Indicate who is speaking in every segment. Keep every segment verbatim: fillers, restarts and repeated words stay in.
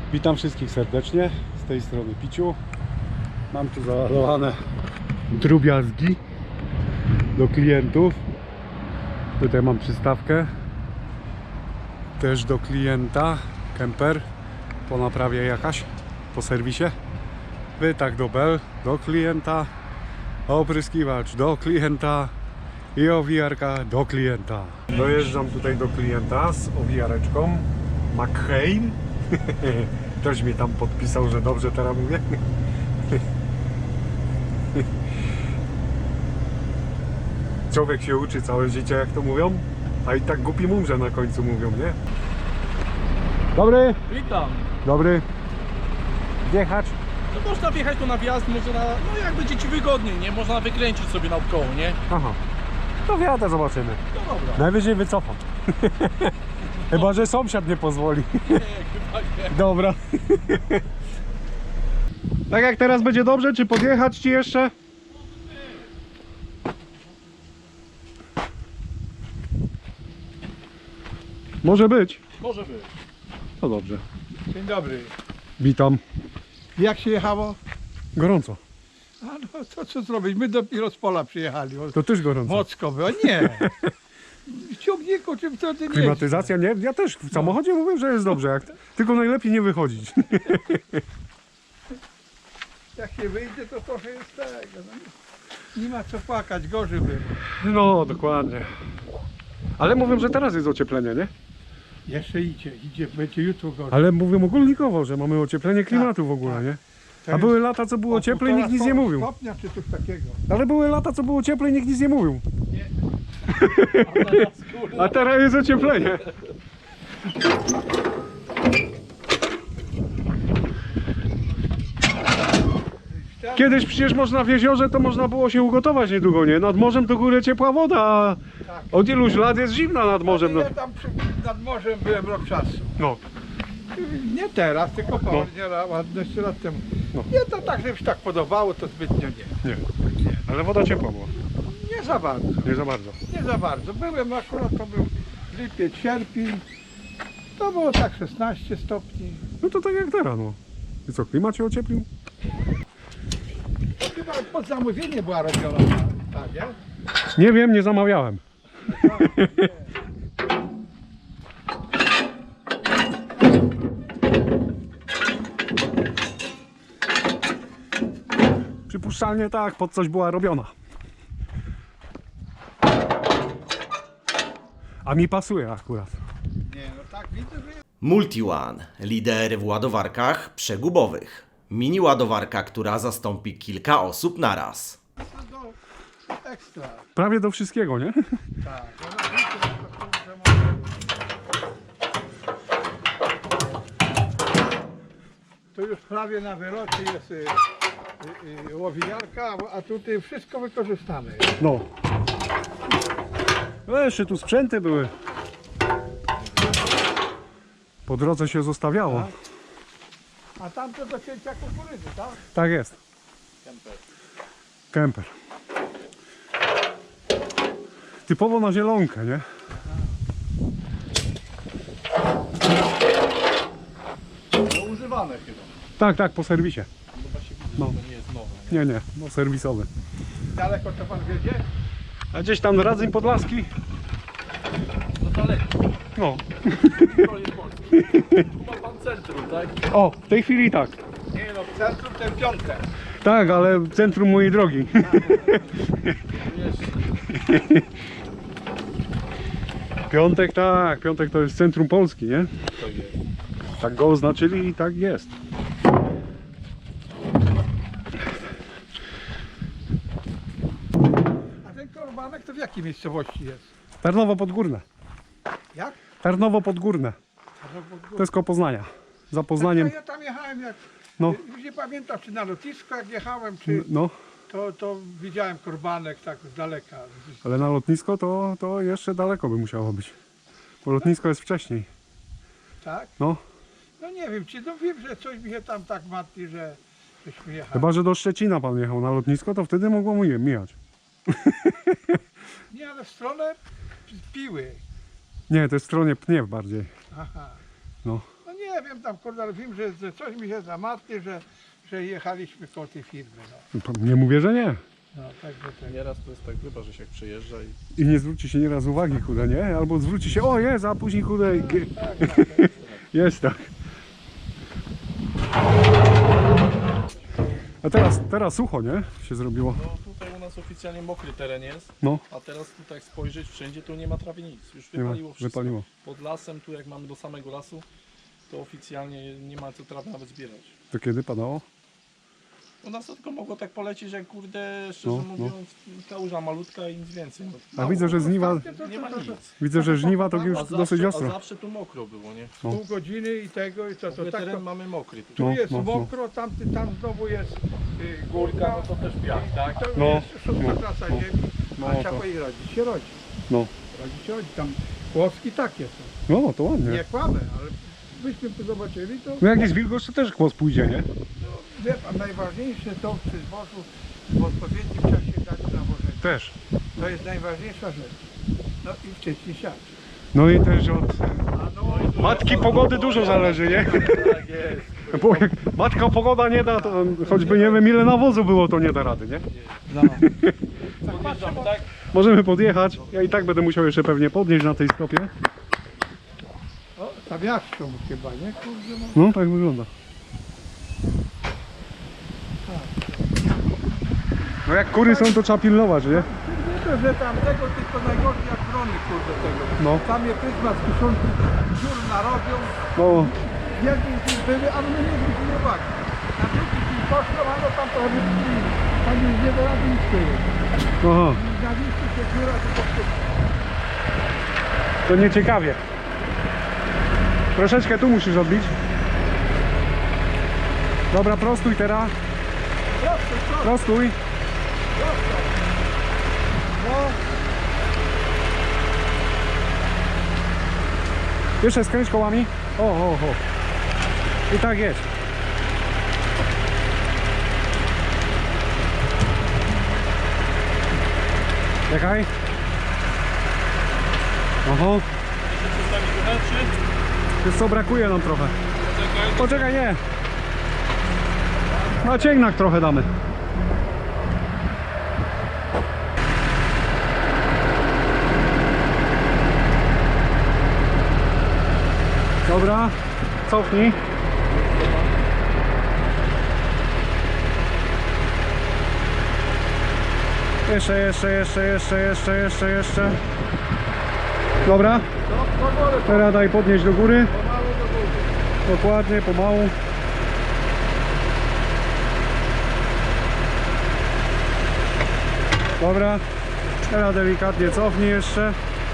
Speaker 1: Witam wszystkich serdecznie, z tej strony Piciu. Mam tu załadowane drobiazgi do klientów. Tutaj mam przystawkę też do klienta, kemper po naprawie jakaś, po serwisie. Wytach do bel do klienta, opryskiwacz do klienta i owijarka do klienta. Dojeżdżam tutaj do klienta z owijareczką McCain. Ktoś mi tam podpisał, że dobrze teraz mówię. Człowiek się uczy całe życie, jak to mówią, a i tak głupi umrze na końcu, mówią, nie? Dobry!
Speaker 2: Witam.
Speaker 1: Dobry! Wjechać?
Speaker 2: No można wjechać tu na wjazd, można, no jak będzie ci wygodniej, nie? Można wykręcić sobie naokoło, nie?
Speaker 1: Aha. To wjadę, zobaczymy.
Speaker 2: No dobra.
Speaker 1: Najwyżej wycofam. Chyba że sąsiad nie pozwoli.
Speaker 2: Nie, chyba nie.
Speaker 1: Dobra. Tak jak teraz będzie dobrze, czy podjechać ci jeszcze? Może być.
Speaker 2: Może być.
Speaker 1: To dobrze.
Speaker 3: Dzień dobry.
Speaker 1: Witam.
Speaker 3: Jak się jechało?
Speaker 1: Gorąco.
Speaker 3: A no to co zrobić? My dopiero z pola przyjechali. O,
Speaker 1: To też gorąco.
Speaker 3: Mocko było. Nie. W ciągniku czym to ty nie?
Speaker 1: Klimatyzacja nie? Ja też w samochodzie mówię, że jest dobrze. Jak... Tylko najlepiej nie wychodzić.
Speaker 3: Jak się wyjdzie, to trochę jest tego. No, nie, nie ma co płakać, gorzej było.
Speaker 1: No, dokładnie. Ale mówią, że teraz jest ocieplenie, nie?
Speaker 3: Jeszcze idzie, idzie, będzie jutro gorzej.
Speaker 1: Ale mówią ogólnikowo, że mamy ocieplenie klimatu w ogóle,
Speaker 3: tak.
Speaker 1: nie?
Speaker 3: To
Speaker 1: A
Speaker 3: jest
Speaker 1: były lata, co było
Speaker 3: o
Speaker 1: cieplej, nikt nic nie
Speaker 3: półtora
Speaker 1: mówił.
Speaker 3: stopnia czy coś takiego.
Speaker 1: Ale były lata, co było cieplej, nikt nic nie mówił.
Speaker 2: A teraz, kurwa,
Speaker 1: A teraz jest ocieplenie. Kiedyś przecież można w jeziorze, to można było się ugotować niedługo, nie? Nad morzem to górę ciepła woda, a
Speaker 3: Tak.
Speaker 1: od iluś lat jest zimna nad morzem. No.
Speaker 3: Ja tam przy, nad morzem byłem rok czasu.
Speaker 1: No.
Speaker 3: Nie teraz, tylko parę ładne lat temu.
Speaker 1: No.
Speaker 3: Nie, to tak, żeby się tak podobało, to zbytnio nie.
Speaker 1: Nie. Ale woda ciepła była.
Speaker 3: Nie za bardzo.
Speaker 1: Nie za bardzo.
Speaker 3: Nie za bardzo. Byłem akurat, to był lipiec, sierpień. To było tak szesnaście stopni.
Speaker 1: No to tak jak teraz, no. I co, klimat się ocieplił?
Speaker 3: To chyba pod zamówienie była robiona ta, ta nie?
Speaker 1: Nie wiem, nie zamawiałem. Przypuszczalnie tak, pod coś była robiona. A mi pasuje akurat.
Speaker 3: Nie, no tak widzę, że jest.
Speaker 4: MultiOne, lider w ładowarkach przegubowych. Mini ładowarka, która zastąpi kilka osób naraz.
Speaker 3: To ekstra.
Speaker 1: Prawie do wszystkiego, nie?
Speaker 3: Tak. Ona widzę, że może... To już prawie na wylocie jest y, y, y, łowiarka, a tutaj wszystko wykorzystane.
Speaker 1: No. No jeszcze tu sprzęty były. Po drodze się zostawiało.
Speaker 3: A tamto do cięcia kukurydzy, tak?
Speaker 1: Tak jest. Kemper. Typowo na zielonkę, nie?
Speaker 2: no używane chyba.
Speaker 1: Tak, tak, po serwisie.
Speaker 2: Chyba się widzę,
Speaker 1: No.
Speaker 2: że to nie jest nowe.
Speaker 1: Nie, nie, no serwisowy.
Speaker 3: Daleko to pan wiedzie?
Speaker 1: A gdzieś tam Radzyń Podlaski?
Speaker 2: No daleko.
Speaker 1: No.
Speaker 2: To jest Polski. Tu ma pan centrum, tak?
Speaker 1: O, w tej chwili tak.
Speaker 3: Nie no, w centrum ten piątek.
Speaker 1: Tak, ale w centrum mojej drogi.
Speaker 2: Wiesz,
Speaker 1: Piątek, tak, piątek to jest centrum Polski, nie?
Speaker 2: to jest.
Speaker 1: Tak go oznaczyli i tak jest.
Speaker 3: A ten korbanek to w jakiej miejscowości jest?
Speaker 1: Tarnowo Podgórne.
Speaker 3: Jak?
Speaker 1: Tarnowo Podgórne. To jest koło Poznania. Za Poznaniem.
Speaker 3: Ja, ja tam jechałem jak...
Speaker 1: No.
Speaker 3: Już nie pamiętam czy na lotnisko jak jechałem, czy...
Speaker 1: No,
Speaker 3: To, to widziałem korbanek tak z daleka.
Speaker 1: ale na lotnisko to, to jeszcze daleko by musiało być. Bo lotnisko jest wcześniej.
Speaker 3: Tak?
Speaker 1: No,
Speaker 3: No nie wiem, czy no wiem, że coś mi się tam tak martwi, że żeśmy jechali.
Speaker 1: chyba że do Szczecina pan jechał na lotnisko, to wtedy mogło mu je mijać.
Speaker 3: Nie, ale w stronę Piły.
Speaker 1: Nie, to jest w stronie Pniew bardziej.
Speaker 3: Aha.
Speaker 1: No.
Speaker 3: No nie nie wiem tam kurde, ale wiem, że, że coś mi się zamartwi, że, że jechaliśmy koło tej firmy. No,
Speaker 1: Nie mówię, że nie.
Speaker 3: no także tak.
Speaker 2: Nieraz to jest tak, chyba, że się jak przyjeżdża i
Speaker 1: I nie zwróci się nieraz uwagi, kurde, nie? Albo zwróci się, o jest, a później, kurde, g- jest tak. A teraz, teraz sucho, nie? Się zrobiło.
Speaker 2: no tutaj u nas oficjalnie mokry teren jest,
Speaker 1: No,
Speaker 2: a teraz tutaj jak spojrzeć wszędzie, to nie ma prawie nic. Już
Speaker 1: nie ma,
Speaker 2: wypaliło wszystko.
Speaker 1: wypaliło.
Speaker 2: Pod lasem, tu jak mamy do samego lasu, to oficjalnie nie ma co trawy nawet zbierać.
Speaker 1: To kiedy padało?
Speaker 2: U nas to tylko mogło tak polecieć, jak kurde, szczerze
Speaker 1: No, no.
Speaker 2: mówiąc, kałuża malutka i nic więcej.
Speaker 1: A widzę, że żniwa,
Speaker 2: Nie ma nic.
Speaker 1: widzę, że żniwa to już
Speaker 2: A
Speaker 1: dosyć
Speaker 2: zawsze, a
Speaker 1: ostro.
Speaker 2: zawsze tu mokro było, nie?
Speaker 1: No.
Speaker 3: Pół godziny i tego i to, to
Speaker 2: To
Speaker 3: tak
Speaker 2: teren
Speaker 3: to,
Speaker 2: mamy mokry tu.
Speaker 3: tu
Speaker 1: No,
Speaker 3: jest
Speaker 1: no, no.
Speaker 3: mokro, tam, tam znowu jest y,
Speaker 2: Górka,
Speaker 3: górka,
Speaker 2: no to też piach, tak?
Speaker 3: to
Speaker 1: No,
Speaker 3: jest szósta
Speaker 1: no,
Speaker 3: klasa
Speaker 1: no.
Speaker 3: ziemi,
Speaker 1: No,
Speaker 3: a trzeba
Speaker 1: to-
Speaker 3: powiedzieć, rodzi się rodzi.
Speaker 1: No,
Speaker 3: Rodzi się rodzi, tam kłoski takie są.
Speaker 1: no to ładnie.
Speaker 3: Nie kłamę, ale byśmy tu zobaczyli, to
Speaker 1: No jak jest wilgoć, to też kłos pójdzie, nie?
Speaker 3: wie pan, najważniejsze to przy zbożu w odpowiednim czasie dać nawożenie.
Speaker 1: Też.
Speaker 3: To jest najważniejsza rzecz. No i wcześniej siać.
Speaker 1: No i też od
Speaker 3: A no,
Speaker 1: matki pogody dużo zależy, nie?
Speaker 2: Tak jest.
Speaker 1: Bo jak matka pogoda nie da, to choćby nie wiem ile nawozu było, to nie da rady, nie?
Speaker 3: no.
Speaker 2: Podjeżdżam, tak?
Speaker 1: Możemy podjechać. Ja i tak będę musiał jeszcze pewnie podnieść na tej stopie.
Speaker 3: O, stawiaszką chyba, nie? Kurde, no.
Speaker 1: No tak wygląda. No jak kury są, to trzeba pilnować, nie?
Speaker 3: Nie to, że tamtego, tylko najgorzej jak brony, kurde, tego.
Speaker 1: No.
Speaker 3: Tam je pryzma z kiszonki dziur narobią.
Speaker 1: No,
Speaker 3: Jedni z nich były, ale my nie zwrócili uwagi. Na drugi dzień poszło, a no tam to wypili. Tam już nie da rady nic powiedzieć.
Speaker 1: aha,
Speaker 3: Na miejscu się dziura, to po prostu.
Speaker 1: to nieciekawie. Troszeczkę tu musisz odbić. Dobra, prostuj teraz.
Speaker 3: Prosto, prosto,
Speaker 1: Prostuj.
Speaker 3: prosto. No,
Speaker 1: Jeszcze skręć kołami. O, o, o. I tak jest. Czekaj. Oho. Wiesz co, brakuje nam trochę. Poczekaj, nie. Na cięgnak trochę damy. Dobra, cofnij. Jeszcze, jeszcze, jeszcze, jeszcze, jeszcze, jeszcze, jeszcze. Dobra,
Speaker 3: to do góry,
Speaker 1: teraz daj podnieść do góry.
Speaker 3: pomału do góry.
Speaker 1: Dokładnie, pomału. Dobra, teraz delikatnie cofnij jeszcze.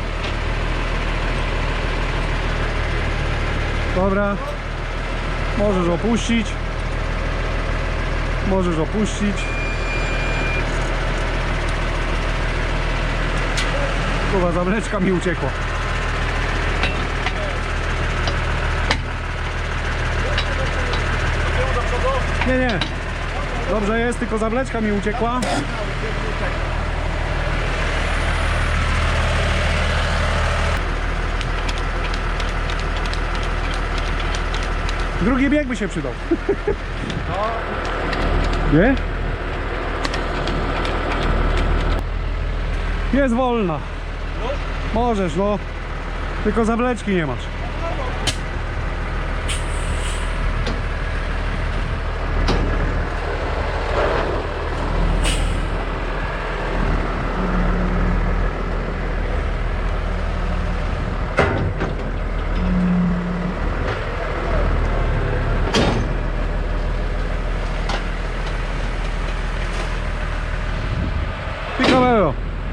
Speaker 1: Dobra, możesz opuścić. Możesz opuścić. Kurwa, zawleczka mi uciekła. Nie, nie. Dobrze jest, tylko zawleczka mi uciekła. Drugi bieg by się przydał. Nie? Jest wolna. Możesz, no. Tylko zawleczki nie masz. Picamelo.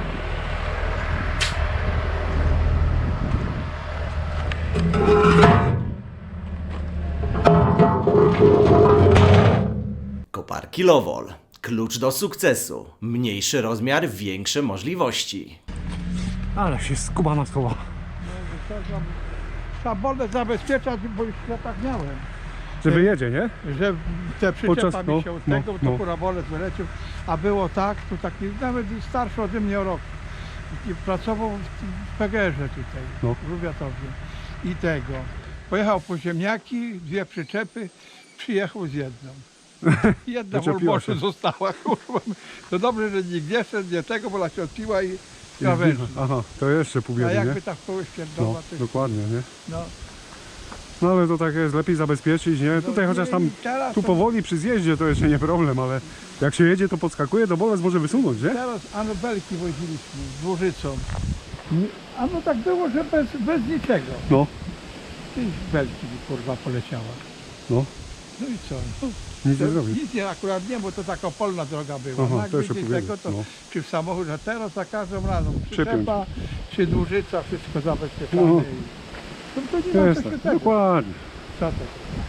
Speaker 4: Koparki Lowol. Klucz do sukcesu. Mniejszy rozmiar, większe możliwości.
Speaker 1: Ale się skubana schowa.
Speaker 3: Trzeba bolę zabezpieczać, bo już ja tak miałem.
Speaker 1: Że wyjedzie, nie?
Speaker 3: Że te przyczepa
Speaker 1: Podczas-
Speaker 3: mi
Speaker 1: no,
Speaker 3: się od
Speaker 1: no,
Speaker 3: tego, to
Speaker 1: no.
Speaker 3: kurabolec wyleciał, a było tak, to taki nawet starszy ode mnie o rok. I pracował w P G R-ze tutaj,
Speaker 1: No.
Speaker 3: w Lubiatowie. I tego. Pojechał po ziemniaki, dwie przyczepy, przyjechał z jedną. Jedna
Speaker 1: Wyczepiła
Speaker 3: Wolboszu
Speaker 1: się.
Speaker 3: została, kurwa. To dobrze, że nikt nie szedł, nie tego, bo ona się odpiła i krawędzi.
Speaker 1: Aha, to jeszcze pół
Speaker 3: A
Speaker 1: biedy, nie?
Speaker 3: jakby tak kogoś
Speaker 1: No,
Speaker 3: pierdolła, to
Speaker 1: dokładnie, nie?
Speaker 3: no.
Speaker 1: No ale to tak jest, lepiej zabezpieczyć, nie? Tutaj
Speaker 3: No,
Speaker 1: chociaż
Speaker 3: nie,
Speaker 1: tam,
Speaker 3: i teraz
Speaker 1: tu
Speaker 3: to-
Speaker 1: powoli przy zjeździe to jeszcze nie problem, ale jak się jedzie to podskakuje, to bolec może wysunąć, nie?
Speaker 3: Teraz anobelki woziliśmy z Dłużycą. Nie- A no tak było, że bez, bez niczego.
Speaker 1: No,
Speaker 3: I belki mi kurwa poleciała.
Speaker 1: no,
Speaker 3: No i co? No,
Speaker 1: nic nie
Speaker 3: to
Speaker 1: zrobi.
Speaker 3: nic nie, akurat nie, bo to taka polna droga była.
Speaker 1: Aha,
Speaker 3: no,
Speaker 1: to
Speaker 3: jakby
Speaker 1: jeszcze
Speaker 3: gdzieś
Speaker 1: powiedzieć,
Speaker 3: tego, to
Speaker 1: no.
Speaker 3: czy w samochodzie, a teraz za każdym razem
Speaker 1: Przypiąć.
Speaker 3: przyczepa, czy Dłużyca, wszystko zabezpieczone.
Speaker 1: No.
Speaker 3: i- To, to nie ma
Speaker 1: Jest
Speaker 3: co się
Speaker 1: tak,
Speaker 3: tego.
Speaker 1: dokładnie.
Speaker 3: Co to?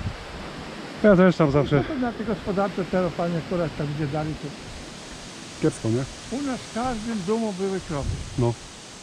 Speaker 1: Ja też tam zawsze
Speaker 3: No to na te gospodarcze teraz panie akurat tam gdzie dali, to
Speaker 1: kiepsko, nie?
Speaker 3: u nas w każdym domu były krowy.
Speaker 1: No.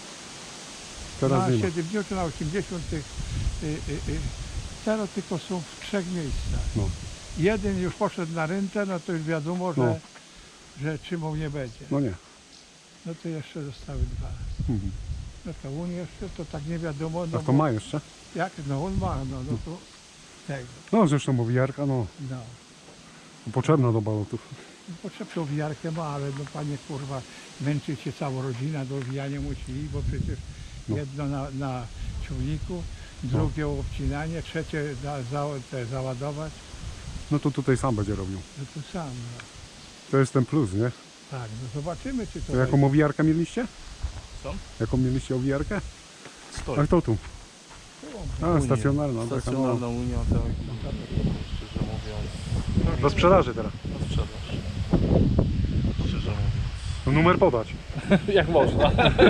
Speaker 1: Teraz
Speaker 3: na
Speaker 1: nie ma.
Speaker 3: siedemdziesiątych, na osiemdziesiątych. Y, y, y, teraz tylko są w trzech miejscach.
Speaker 1: No.
Speaker 3: Jeden już poszedł na rentę, no to już wiadomo, że,
Speaker 1: No.
Speaker 3: że czymą nie będzie.
Speaker 1: No nie.
Speaker 3: No to jeszcze zostały dwa.
Speaker 1: Mhm.
Speaker 3: No to on jeszcze, to tak nie wiadomo, no
Speaker 1: A to
Speaker 3: bo
Speaker 1: ma jeszcze?
Speaker 3: jak, no on ma, no, no to tego,
Speaker 1: No zresztą owijarka, no
Speaker 3: no.
Speaker 1: potrzebna do balotów.
Speaker 3: Potrzebną owijarkę ma, ale no panie kurwa, męczy się cała rodzina, do owijania musieli, bo przecież
Speaker 1: No.
Speaker 3: jedno na, na ciągniku, drugie obcinanie, trzecie za, za, te załadować,
Speaker 1: No to tutaj sam będzie robił.
Speaker 3: no to sam, no.
Speaker 1: To jest ten plus, nie?
Speaker 3: Tak, no zobaczymy czy to
Speaker 1: To jaką owijarkę mieliście?
Speaker 2: Co?
Speaker 1: Jaką mieliście owijarkę?
Speaker 2: Stoi.
Speaker 1: A kto tu? A,
Speaker 2: Unia.
Speaker 1: stacjonarna. taka,
Speaker 2: Stacjonarna
Speaker 1: no.
Speaker 2: Unia, tak. Szczerze mówiąc,
Speaker 1: Do sprzedaży teraz.
Speaker 2: na sprzedaż. Szczerze mówiąc.
Speaker 1: No, numer podać.
Speaker 2: Jak można?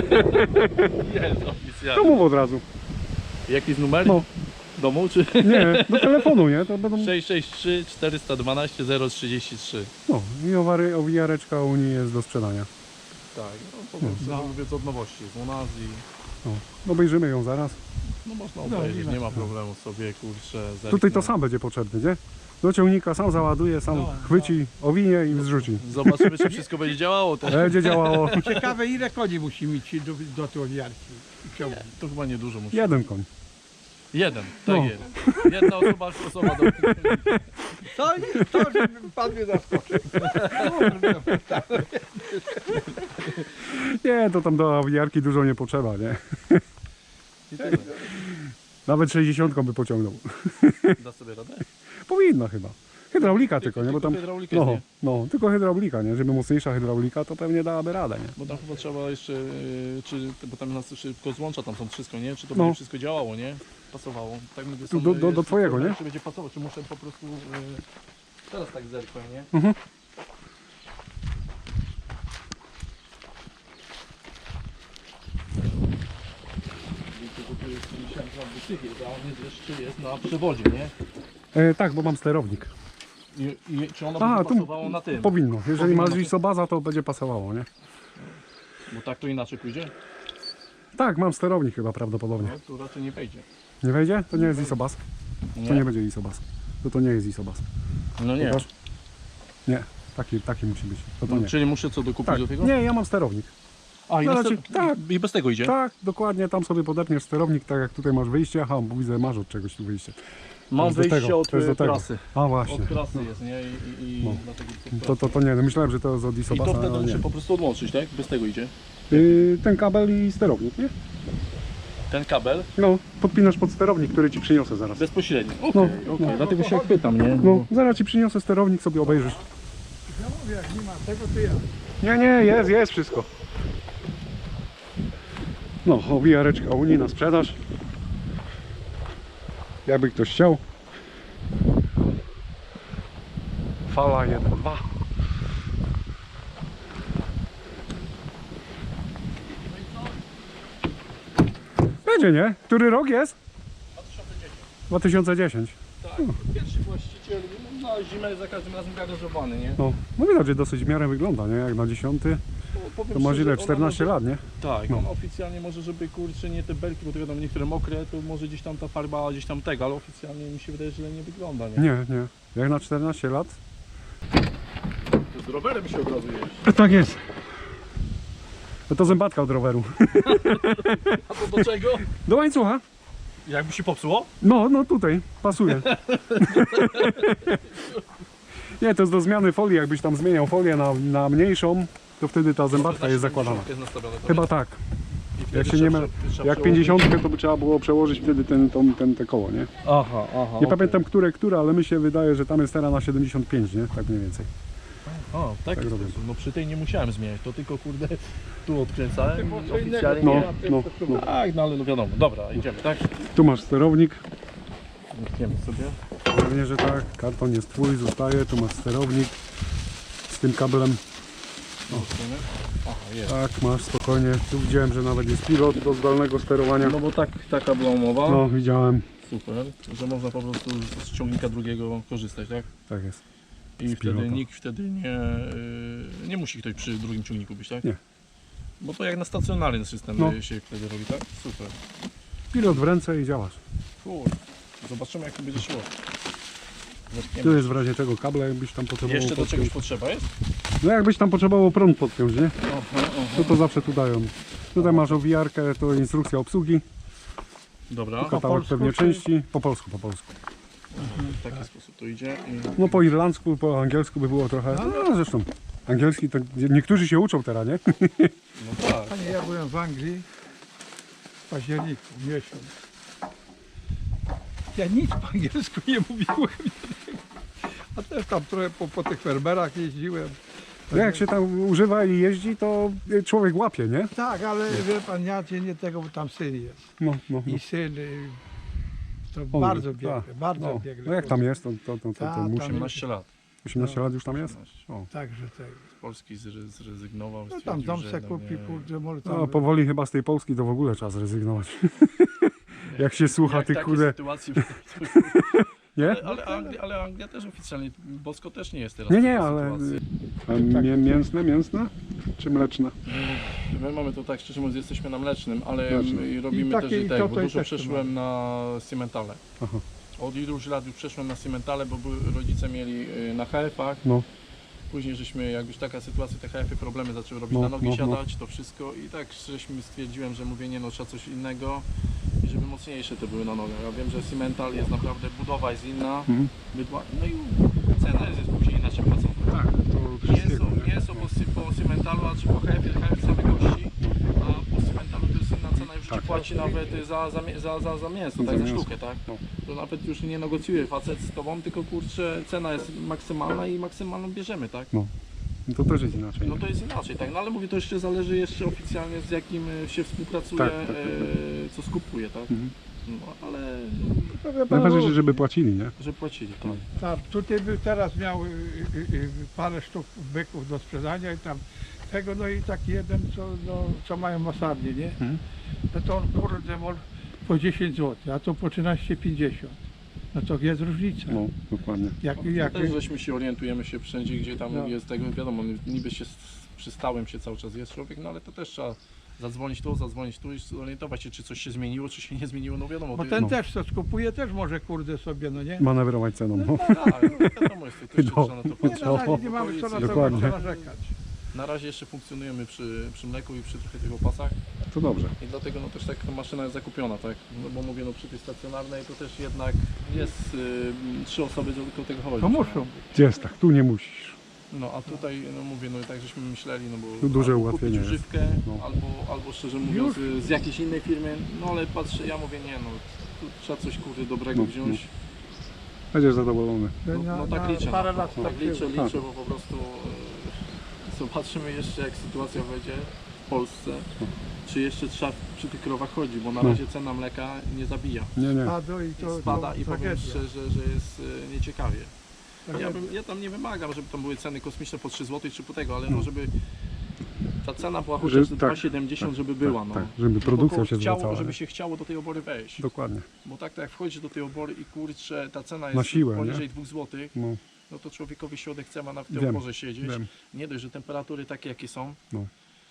Speaker 2: Jest oficjalnie.
Speaker 1: To mów od razu.
Speaker 2: Jaki jest numer?
Speaker 1: No.
Speaker 2: Domu czy?
Speaker 1: Nie, do telefonu, nie? To będą...
Speaker 2: sześć sześć trzy cztery jedna dwa zero trzydzieści trzy.
Speaker 1: No, i owary, owijareczka Unii jest do sprzedania.
Speaker 2: Tak, no po prostu
Speaker 3: No.
Speaker 2: mówię od nowości z u nas i
Speaker 1: No, obejrzymy ją zaraz.
Speaker 2: no można
Speaker 3: No,
Speaker 2: obejrzeć,
Speaker 3: nie
Speaker 2: nie
Speaker 3: ma
Speaker 2: ma problemu sobie, kurczę.
Speaker 1: Tutaj to
Speaker 2: zerknę.
Speaker 1: sam będzie potrzebny, nie? Do ciągnika sam załaduje, sam
Speaker 3: No,
Speaker 1: chwyci, owinie i zrzuci.
Speaker 2: Zobaczymy, czy wszystko będzie działało. To,
Speaker 1: Będzie działało
Speaker 3: Ciekawe ile koni musi mieć do, do tej owijarki i ciągnik.
Speaker 2: to chyba niedużo musi.
Speaker 1: jeden koń.
Speaker 2: Jeden, tak
Speaker 1: No.
Speaker 2: jest. Jedna osoba, osoba do...
Speaker 3: To, nie- to że pan mnie zaskoczył.
Speaker 1: Nie, to tam do owijarki dużo nie potrzeba, nie?
Speaker 2: I tyle.
Speaker 1: Nawet sześćdziesiątką by pociągnął.
Speaker 2: Da sobie radę?
Speaker 1: Powinna chyba. Hydraulika tylko, nie? Bo tam...
Speaker 2: hydraulika
Speaker 1: No,
Speaker 2: nie.
Speaker 1: no, tylko hydraulika, nie? Żeby mocniejsza hydraulika, to pewnie dałaby radę, nie?
Speaker 2: Bo tam chyba trzeba jeszcze, yy, czy, bo tam nas szybko złącza, tam są wszystko, nie? Czy to
Speaker 1: No.
Speaker 2: będzie wszystko działało, nie? Pasowało. Tak mówię,
Speaker 1: Tu
Speaker 2: są,
Speaker 1: do- do-
Speaker 2: jest
Speaker 1: do twojego,
Speaker 2: tylko,
Speaker 1: nie?
Speaker 2: Czy będzie pasować, czy muszę po prostu... Yy, teraz tak zerknę, nie?
Speaker 1: Mhm.
Speaker 2: Wiecie, bo tu jest dziesięć lat wysypie, a on jest jeszcze jest na przewodzie, nie?
Speaker 1: E, tak, bo mam sterownik.
Speaker 2: I, i czy ono
Speaker 1: A,
Speaker 2: będzie
Speaker 1: tu
Speaker 2: pasowało na tym?
Speaker 1: powinno. Jeżeli
Speaker 2: Powinno
Speaker 1: masz
Speaker 2: na
Speaker 1: isobaza, to będzie pasowało, nie?
Speaker 2: Bo tak to inaczej pójdzie?
Speaker 1: Tak, mam sterownik chyba prawdopodobnie.
Speaker 2: No, tu raczej nie wejdzie.
Speaker 1: Nie wejdzie? To nie jest isobaz.
Speaker 2: Nie?
Speaker 1: To nie będzie isobaz. To to nie jest isobaz.
Speaker 2: No nie.
Speaker 1: Pokaż. Nie, taki, taki musi być. To to
Speaker 2: No,
Speaker 1: nie.
Speaker 2: czyli muszę co dokupić
Speaker 1: Tak,
Speaker 2: do tego?
Speaker 1: nie, ja mam sterownik.
Speaker 2: A, i,
Speaker 1: No
Speaker 2: na
Speaker 1: raczej-
Speaker 2: ster-
Speaker 1: tak.
Speaker 2: I bez tego idzie?
Speaker 1: Tak, dokładnie, tam sobie podepniesz sterownik, tak jak tutaj masz wyjście. Aha, bo widzę, masz od czegoś tu wyjście. To
Speaker 2: Mam
Speaker 1: jest do
Speaker 2: wyjście
Speaker 1: tego,
Speaker 2: od
Speaker 1: to jest do
Speaker 2: y,
Speaker 1: tego.
Speaker 2: trasy.
Speaker 1: A właśnie.
Speaker 2: Od trasy jest, nie? I, i, i
Speaker 1: No.
Speaker 2: dlatego
Speaker 1: To, to, to nie, no myślałem, że to jest od
Speaker 2: I
Speaker 1: isobasa,
Speaker 2: to wtedy
Speaker 1: ale
Speaker 2: muszę
Speaker 1: nie.
Speaker 2: po prostu odłączyć, tak? Bez tego idzie.
Speaker 1: Yy, ten kabel i sterownik, nie?
Speaker 2: Ten kabel
Speaker 1: No, podpinasz pod sterownik, który ci przyniosę zaraz.
Speaker 2: bezpośrednio. Okej,
Speaker 1: No,
Speaker 2: okej.
Speaker 1: no.
Speaker 2: Dlatego się jak pytam, nie?
Speaker 1: No, zaraz ci przyniosę sterownik, sobie obejrzysz.
Speaker 3: Ja mówię, jak nie ma tego, to ja.
Speaker 1: Nie, nie, jest, jest wszystko. No, owijareczka Unii na sprzedaż. Jakby ktoś chciał. Fala jeden dwa. Będzie, nie? Który rok jest? dwa tysiące dziesięć.
Speaker 2: Tak, pierwszy właściciel no, na zimę za każdym razem garażowany, nie?
Speaker 1: No, no widać, że dosyć w miarę wygląda, nie? Jak na dziesiąty.
Speaker 2: Bo powiem
Speaker 1: To masz
Speaker 2: szczerze,
Speaker 1: ile?
Speaker 2: ona
Speaker 1: czternaście
Speaker 2: może-
Speaker 1: lat, nie?
Speaker 2: Tak,
Speaker 1: No.
Speaker 2: on oficjalnie może, żeby kurczę nie te belki, bo to wiadomo niektóre mokre, to może gdzieś tam ta farba gdzieś tam tego, ale oficjalnie mi się wydaje, że źle nie wygląda, nie?
Speaker 1: Nie, nie. Jak na czternaście lat?
Speaker 2: To z rowerem się od razu jeździ.
Speaker 1: Tak jest. No to zębatka od roweru.
Speaker 2: A to do czego?
Speaker 1: Do łańcucha.
Speaker 2: Jakby się popsuło?
Speaker 1: No, no tutaj, pasuje. Nie, to jest do zmiany folii, jakbyś tam zmieniał folię na, na mniejszą, to wtedy ta zębatka jest zakładana.
Speaker 2: Jest nastawione, to
Speaker 1: Chyba
Speaker 2: jest?
Speaker 1: tak.
Speaker 2: I wtedy
Speaker 1: Jak się
Speaker 2: trzeba
Speaker 1: nie ma,
Speaker 2: prze- trzeba
Speaker 1: jak
Speaker 2: przełożyć.
Speaker 1: pięćdziesiątkę to by trzeba było przełożyć wtedy ten, tą, ten, te koło, nie?
Speaker 2: Aha, aha.
Speaker 1: Nie pamiętam które, które, ale mi się wydaje, że tam jest teraz na siedemdziesiąt pięć, nie? Tak mniej więcej.
Speaker 2: O, w taki
Speaker 1: Tak robię.
Speaker 2: sposób. No przy tej nie musiałem zmieniać, to tylko kurde tu odkręcałem.
Speaker 3: było
Speaker 2: i
Speaker 3: co innego.
Speaker 2: Oficjalnie
Speaker 1: No,
Speaker 2: nie.
Speaker 1: no, no.
Speaker 2: Tak, no ale no wiadomo. Dobra, idziemy, tak?
Speaker 1: Tu masz sterownik,
Speaker 2: Idziemy sobie.
Speaker 1: pewnie, że tak. Karton jest twój, zostaje. Tu masz sterownik z tym kablem.
Speaker 2: Zobaczymy. Aha, jest.
Speaker 1: Tak, masz spokojnie. Tu widziałem, że nawet jest pilot do zdalnego sterowania.
Speaker 2: No bo tak, taka była umowa.
Speaker 1: No, widziałem.
Speaker 2: Super, że można po prostu z ciągnika drugiego korzystać, tak?
Speaker 1: Tak jest.
Speaker 2: I
Speaker 1: Z
Speaker 2: wtedy
Speaker 1: pilota.
Speaker 2: nikt wtedy nie, y, nie musi ktoś przy drugim ciągniku być, tak?
Speaker 1: Nie.
Speaker 2: Bo to jak na stacjonarny system
Speaker 1: No.
Speaker 2: y, się wtedy robi, tak? Super.
Speaker 1: Pilot w ręce i działasz.
Speaker 2: Cool. Zobaczymy jak to będzie szło. Zaczniemy.
Speaker 1: Tu jest w razie czego kable, jakbyś tam potrzebował
Speaker 2: Jeszcze do
Speaker 1: podpiąć.
Speaker 2: czegoś potrzeba jest?
Speaker 1: No jakbyś tam potrzebował prąd podpiąć, nie?
Speaker 2: Aha, aha.
Speaker 1: To to zawsze tu dają. Tutaj masz owijarkę, to instrukcja obsługi,
Speaker 2: Dobra,
Speaker 1: katałek
Speaker 3: polsku
Speaker 1: pewnie
Speaker 3: czy-
Speaker 1: części. Po polsku, po polsku.
Speaker 2: w taki sposób to idzie. I...
Speaker 1: No po irlandzku, po angielsku by było trochę. No zresztą. Angielski to niektórzy się uczą teraz, nie?
Speaker 2: No tak.
Speaker 3: Panie, ja byłem w Anglii w październiku, miesiąc. Ja nic po angielsku nie mówiłem. A też tam trochę po, po tych fermerach jeździłem.
Speaker 1: No jak się tam używa i jeździ, to człowiek łapie, nie?
Speaker 3: Tak, ale wie pan, ja cię nie tego, bo tam syn jest.
Speaker 1: No, no, no.
Speaker 3: I syn y, to
Speaker 1: On-
Speaker 3: bardzo biegle,
Speaker 1: tak,
Speaker 3: bardzo
Speaker 1: no.
Speaker 3: biegle.
Speaker 1: No jak tam jest, to, to, to, to,
Speaker 3: Tak,
Speaker 1: to
Speaker 3: tam
Speaker 1: musi.
Speaker 2: osiemnaście lat.
Speaker 1: osiemnaście lat już tam jest? O.
Speaker 3: Także tego.
Speaker 2: Z Polski zre- zrezygnował.
Speaker 3: No tam
Speaker 2: stwierdził,
Speaker 3: dom
Speaker 2: że
Speaker 3: se
Speaker 2: no
Speaker 3: kupi,
Speaker 2: nie-
Speaker 3: kurde, może tam...
Speaker 1: No powoli chyba z tej Polski to w ogóle trzeba zrezygnować. Jak się słucha
Speaker 2: Jak
Speaker 1: tych
Speaker 2: takie
Speaker 1: kurde.
Speaker 2: sytuacje-
Speaker 1: Nie?
Speaker 2: Ale, ale, Anglia, ale Anglia też oficjalnie, Bosko też nie jest teraz
Speaker 1: Nie,
Speaker 2: w
Speaker 1: nie,
Speaker 2: takiej
Speaker 1: ale.
Speaker 2: sytuacji.
Speaker 1: A mię, mięsne, mięsne? Czy mleczne?
Speaker 2: My mamy to tak, szczerze mówiąc, jesteśmy na mlecznym, ale
Speaker 1: Mlecznym.
Speaker 2: my robimy
Speaker 3: I
Speaker 2: też
Speaker 3: takie-
Speaker 2: i
Speaker 3: i
Speaker 2: tak,
Speaker 3: to
Speaker 2: bo
Speaker 3: to i
Speaker 2: dużo
Speaker 3: też tu
Speaker 2: przeszłem na Cimentale.
Speaker 1: Aha.
Speaker 2: Od iluś lat już przeszłem na Cimentale, bo były, rodzice mieli y, na H F-ach.
Speaker 1: No.
Speaker 2: Później żeśmy, jak już taka sytuacja, te H F-y problemy zaczęły robić
Speaker 1: No,
Speaker 2: na nogi
Speaker 1: no, no.
Speaker 2: siadać, to wszystko i tak żeśmy stwierdziłem, że mówię, nie no, trzeba coś innego i żeby mocniejsze te były na nogach. Ja wiem, że Cimental jest naprawdę, budowa jest inna,
Speaker 1: Mhm.
Speaker 2: bydła, no i cena jest, jest później inaczej płacona.
Speaker 1: Tak, to
Speaker 2: Nie są, nie są po, sy- po Cymentalu, a czy po H F-ie, H F same kości, a po Cymentalu to jest inna cena, już
Speaker 1: Tak.
Speaker 2: ci płaci nawet za, za, mie- za, za, za mięso,
Speaker 1: Za
Speaker 2: tak, za
Speaker 1: mięso.
Speaker 2: sztukę, tak?
Speaker 1: No.
Speaker 2: To nawet już nie negocjuje facet z tobą, tylko kurczę, cena jest maksymalna i maksymalną bierzemy, tak?
Speaker 1: To też jest inaczej.
Speaker 2: No to jest inaczej, tak? No ale mówię, to jeszcze zależy jeszcze oficjalnie z jakim e, się współpracuje,
Speaker 1: Tak, tak, tak,
Speaker 2: e, co skupuje, tak?
Speaker 1: Mhm.
Speaker 2: No ale,
Speaker 3: No, wie pan,
Speaker 1: Najważniejsze, żeby płacili, nie?
Speaker 2: że płacili, tak.
Speaker 3: Tak, tutaj by teraz miał y, y, y, parę sztuk byków do sprzedania i tam tego, no i taki jeden, co, no, co mają masarnie, nie?
Speaker 1: Mhm.
Speaker 3: No to on kurde może po dziesięć złotych, a to po trzynaście pięćdziesiąt. No to jest różnica.
Speaker 1: No, dokładnie.
Speaker 3: Jak,
Speaker 2: No,
Speaker 3: jak,
Speaker 2: też żeśmy się orientujemy się wszędzie, gdzie tam
Speaker 3: No.
Speaker 2: jest tego, wiadomo, niby się s- przy stałym się cały czas jest człowiek, no ale to też trzeba zadzwonić tu, zadzwonić tu i zorientować się, czy coś się zmieniło, czy się nie zmieniło, no wiadomo.
Speaker 3: bo
Speaker 2: to
Speaker 3: ten
Speaker 1: no.
Speaker 3: też co skupuje, też może kurde sobie, no nie?
Speaker 1: Manewrować ceną. No.
Speaker 2: tak, no, wiadomo jest to też
Speaker 1: No.
Speaker 2: trzeba na to
Speaker 3: Nie,
Speaker 2: patrzeć.
Speaker 3: na razie nie mamy co na to
Speaker 1: Dokładnie.
Speaker 3: co narzekać.
Speaker 2: Na razie jeszcze funkcjonujemy przy, przy mleku i przy trochę tych opasach
Speaker 1: To dobrze.
Speaker 2: i dlatego no też tak ta maszyna jest zakupiona, tak? No bo mówię, no przy tej stacjonarnej to też jednak jest y, trzy osoby, żeby do tego chodzić.
Speaker 3: To muszą.
Speaker 1: Jest tak, tu nie musisz.
Speaker 2: No a tutaj, no mówię, no tak żeśmy myśleli, no bo
Speaker 1: Tu duże
Speaker 2: albo
Speaker 1: ułatwienie
Speaker 2: kupić
Speaker 1: jest.
Speaker 2: używkę,
Speaker 1: No.
Speaker 2: albo, albo szczerze mówiąc z, z jakiejś innej firmy, no ale patrzę, ja mówię, nie no, tu trzeba coś kurde dobrego
Speaker 1: No,
Speaker 2: wziąć.
Speaker 1: Będziesz zadowolony.
Speaker 2: No,
Speaker 3: Na-
Speaker 2: no tak
Speaker 3: na
Speaker 2: liczę,
Speaker 3: parę
Speaker 2: no,
Speaker 3: lat
Speaker 2: tak
Speaker 3: tak
Speaker 2: liczę,
Speaker 3: było.
Speaker 2: liczę, bo po prostu e, zobaczymy jeszcze jak sytuacja będzie w Polsce, czy jeszcze trzeba przy tych krowach chodzić, bo na
Speaker 1: No.
Speaker 2: razie cena mleka nie zabija.
Speaker 1: Nie, nie.
Speaker 3: Spadło i to,
Speaker 2: Spada
Speaker 3: to
Speaker 2: i powiem
Speaker 3: tragedia.
Speaker 2: szczerze, że jest e, nieciekawie. Ja,
Speaker 3: Tragedia.
Speaker 2: bym, ja tam nie wymagam, żeby tam były ceny kosmiczne po trzy złote czy po tego, ale
Speaker 1: No.
Speaker 2: no żeby ta cena była
Speaker 1: Że-
Speaker 2: chociaż
Speaker 1: tak,
Speaker 2: dwa siedemdziesiąt, żeby była, no.
Speaker 1: Tak, żeby
Speaker 2: Żeby
Speaker 1: produkcja
Speaker 2: koło
Speaker 1: się
Speaker 2: chciało,
Speaker 1: zwracała.
Speaker 2: żeby się chciało do tej obory wejść.
Speaker 1: Dokładnie.
Speaker 2: Bo tak, tak jak wchodzisz do tej obory i kurczę, ta cena
Speaker 1: Na
Speaker 2: jest
Speaker 1: siłę,
Speaker 2: poniżej
Speaker 1: nie?
Speaker 2: dwóch złotych,
Speaker 1: No,
Speaker 2: no to człowiekowi się odechce ma na tej
Speaker 1: Wiem,
Speaker 2: oborze siedzieć.
Speaker 1: wiem.
Speaker 2: Nie dość, że temperatury takie jakie są,
Speaker 1: No.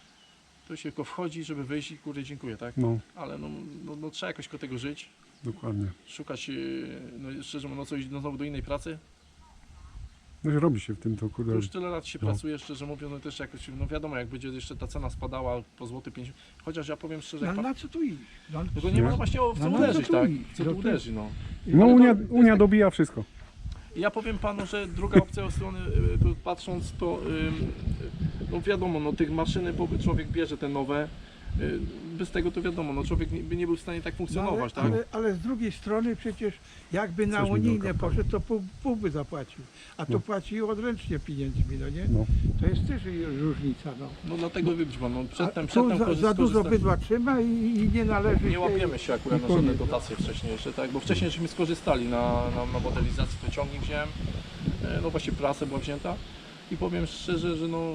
Speaker 2: to się tylko wchodzi, żeby wyjść i kurde dziękuję, tak?
Speaker 1: No,
Speaker 2: Ale no, no, no trzeba jakoś koło tego żyć,
Speaker 1: dokładnie.
Speaker 2: szukać, yy, no szczerze mówiąc, no coś no, znowu do innej pracy.
Speaker 1: No i robi się w tym to
Speaker 2: To
Speaker 1: kurde.
Speaker 2: już tyle lat się
Speaker 1: No.
Speaker 2: pracuje, szczerze mówiąc, no też jakoś, no wiadomo, jak będzie jeszcze ta cena spadała po złoty pięćdziesiąt, chociaż ja powiem szczerze,
Speaker 3: No,
Speaker 2: jak pan,
Speaker 3: na co tu iść? No,
Speaker 2: no to nie ma
Speaker 1: Nie.
Speaker 2: właśnie o w co
Speaker 3: No, no,
Speaker 2: uderzyć,
Speaker 3: co tu
Speaker 2: tak?
Speaker 3: iść?
Speaker 2: Co
Speaker 3: No
Speaker 2: tu
Speaker 3: to-
Speaker 2: uderzy, no.
Speaker 1: No
Speaker 2: Ale to-
Speaker 1: Unia,
Speaker 2: to jest
Speaker 1: Unia
Speaker 2: tak-
Speaker 1: dobija wszystko.
Speaker 2: Ja powiem panu, że druga opcja od strony, y, tu patrząc to, ym, no wiadomo, no tych maszyny po- człowiek bierze te nowe, y, bez tego to wiadomo, no człowiek nie, by nie był w stanie tak
Speaker 3: No,
Speaker 2: funkcjonować,
Speaker 3: ale,
Speaker 2: tak?
Speaker 3: ale, ale z drugiej strony przecież jakby na
Speaker 1: Coś mi
Speaker 3: unijne
Speaker 1: drogą
Speaker 3: poszedł, to pół, pół by zapłacił. A tu
Speaker 1: No.
Speaker 3: płaci odręcznie pieniędzmi, no nie?
Speaker 1: No.
Speaker 3: To jest też różnica, no.
Speaker 2: No dlatego wybić pan, no
Speaker 3: A
Speaker 2: przedtem,
Speaker 3: tu
Speaker 2: przedtem
Speaker 3: za,
Speaker 2: korzyst-
Speaker 3: za dużo
Speaker 2: korzystać-
Speaker 3: bydła trzyma i, i nie należy
Speaker 2: Nie
Speaker 3: się-
Speaker 2: łapiemy się akurat
Speaker 3: i
Speaker 2: na żadne
Speaker 3: koniec.
Speaker 2: dotacje wcześniejsze, tak? Bo wcześniej żeśmy skorzystali na, na, na modelizacji, to ciągnik wziąłem, e, no właśnie prasę była wzięta i powiem szczerze, że no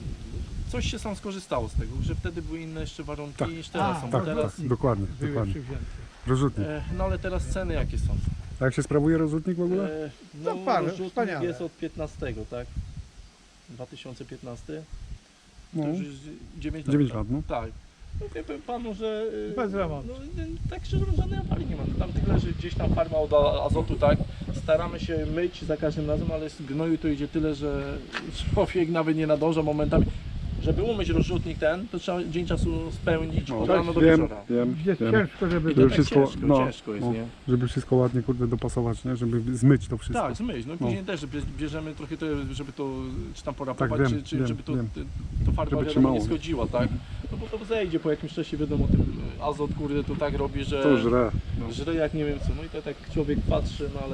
Speaker 2: coś się sam skorzystało z tego, że wtedy były inne jeszcze warunki
Speaker 1: Tak.
Speaker 2: niż teraz
Speaker 3: A,
Speaker 2: są,
Speaker 1: Tak,
Speaker 2: bo teraz,
Speaker 1: tak, dokładnie,
Speaker 3: Były
Speaker 1: dokładnie.
Speaker 3: przywzięte.
Speaker 1: Rozrzutnik.
Speaker 2: e, no ale teraz ceny jakie są?
Speaker 1: A jak się sprawuje rozrzutnik w ogóle?
Speaker 2: E, no
Speaker 3: No, pan,
Speaker 2: rozrzutnik
Speaker 3: wspaniale.
Speaker 2: jest od piętnastego, tak? dwa tysiące piętnasty?
Speaker 1: No,
Speaker 2: To już jest dziewięć lat.
Speaker 1: dziewięć
Speaker 2: tak?
Speaker 1: lat, no.
Speaker 2: Tak. No wie pan panu, że... y,
Speaker 3: Bez remontu.
Speaker 2: No, y, tak szczerze mówiąc, żadnej awarii nie ma. Tam tyle, że gdzieś tam farma od a- azotu, tak? Staramy się myć za każdym razem, ale z gnoju to idzie tyle, że człowiek nawet nie nadąża momentami. Żeby umyć rozrzutnik ten, to trzeba dzień czasu spełnić
Speaker 1: No,
Speaker 2: od rana do
Speaker 1: wiem,
Speaker 2: wieczora.
Speaker 1: wiem,
Speaker 3: Jest
Speaker 1: wiem.
Speaker 3: ciężko, żeby...
Speaker 2: I to
Speaker 1: Żeby
Speaker 2: tak
Speaker 1: wszystko-
Speaker 2: ciężko,
Speaker 1: no,
Speaker 2: ciężko jest,
Speaker 1: no.
Speaker 2: nie?
Speaker 1: Żeby wszystko ładnie kurde dopasować, nie? Żeby zmyć to wszystko.
Speaker 2: Tak, zmyć. No i później też, że bie- bierzemy trochę to, żeby to, czy tam porapować,
Speaker 1: Tak, wiem,
Speaker 2: czy, czy
Speaker 1: wiem,
Speaker 2: żeby to,
Speaker 1: wiem.
Speaker 2: ty- to farba
Speaker 1: Żeby
Speaker 2: wiadomo,
Speaker 1: trzymało,
Speaker 2: nie
Speaker 1: nie?
Speaker 2: schodziła, tak? No bo to zejdzie po jakimś czasie, wiadomo, ten azot, kurde, to tak robi, że...
Speaker 1: To żre. No.
Speaker 2: Żre jak nie wiem co, no i to tak człowiek patrzy, no ale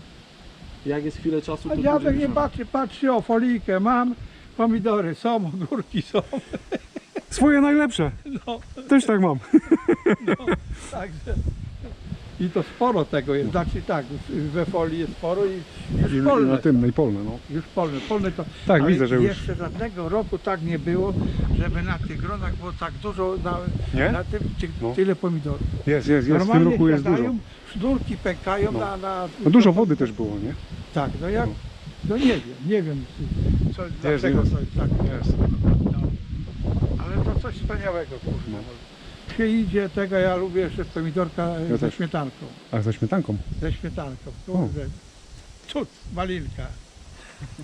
Speaker 2: jak jest chwilę czasu,
Speaker 3: A
Speaker 2: to
Speaker 3: dziadek
Speaker 2: dłużej
Speaker 3: nie
Speaker 2: trzyma.
Speaker 3: patrzy, patrzy o folijkę, mam, pomidory są, ogórki są.
Speaker 1: Swoje najlepsze.
Speaker 3: No,
Speaker 1: Też tak mam.
Speaker 3: no, także... I to sporo tego jest, znaczy tak, we folii jest sporo i
Speaker 1: I,
Speaker 3: już
Speaker 1: i
Speaker 3: polne.
Speaker 1: na tym, no i polne, no.
Speaker 3: Już polne, polne to...
Speaker 1: Tak,
Speaker 3: ale
Speaker 1: widzę, że już.
Speaker 3: jeszcze żadnego roku tak nie było, żeby na tych gronach było tak dużo, na,
Speaker 1: Nie?
Speaker 3: na tym ty,
Speaker 1: No.
Speaker 3: tyle pomidorów.
Speaker 1: Jest, jest, jest. W tym
Speaker 3: Normalnie
Speaker 1: roku jest dużo.
Speaker 3: siadają, sznurki pękają
Speaker 1: No.
Speaker 3: na, na...
Speaker 1: No dużo wody też było, nie?
Speaker 3: Tak, no jak... No nie wiem, nie wiem co, dlaczego
Speaker 1: jest.
Speaker 3: to jest tak.
Speaker 1: Jest.
Speaker 3: No. Ale to coś wspaniałego, kurde.
Speaker 1: No.
Speaker 3: Się idzie tego, ja lubię jeszcze pomidorka
Speaker 1: Ja
Speaker 3: ze
Speaker 1: też.
Speaker 3: śmietanką.
Speaker 1: A ze śmietanką.
Speaker 3: Ze śmietanką, kurde. Cud, malinka.